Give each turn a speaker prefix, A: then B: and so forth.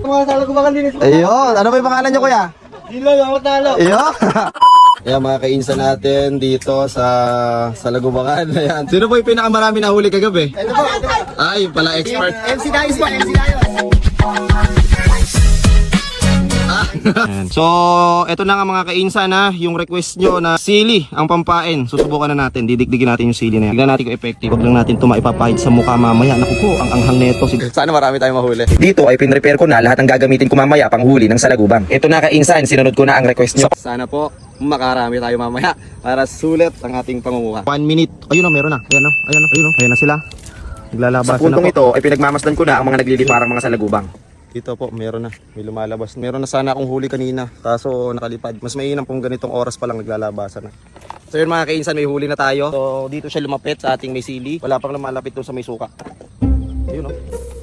A: mga salagubakan din.
B: Ayun, ano ba yung pangalan nyo kuya?
A: Dilo, ako talo.
B: Ayun. Ayan mga kainsa natin dito sa Lagubakan. Ayan. Sino po yung pinakamarami nahuli kagabi?
A: Ito po.
B: Ay, pala expert.
A: MC Dayos po, MC Dayos.
B: Ayan. So, eto na nga mga kainsa na yung request nyo na sili ang pampain. Susubukan na natin. Didikdigin natin yung sili na yan. Tignan natin kung effective. Huwag lang natin ito maipapahid sa mukha mamaya. Naku po, ang anghang neto. Sana marami tayong mahuli. Dito ay pinrepair ko na lahat ng gagamitin ko mamaya pang huli ng salagubang. Ito na kainsan, sinunod ko na ang request nyo. Sana po makarami tayo mamaya para sulit ang ating pangunguha. 1 minute. Ayun na, meron na. Ayan na, ayan na, ayun na. Ayan na sila. Naglalabasan na po. Sa puntong ito ay pinagmamasdan ko na ang mga nagliliparang mga salagubang. Dito po, meron na. May lumalabas. Meron na sana akong huli kanina. Kaso nakalipad. Mas mainam kung ganitong oras pa lang naglalabasan na. So yun mga kainsan, may huli na tayo. So dito siya lumapit sa ating may sili. Wala pang lumalapit doon sa may suka. Ayun o.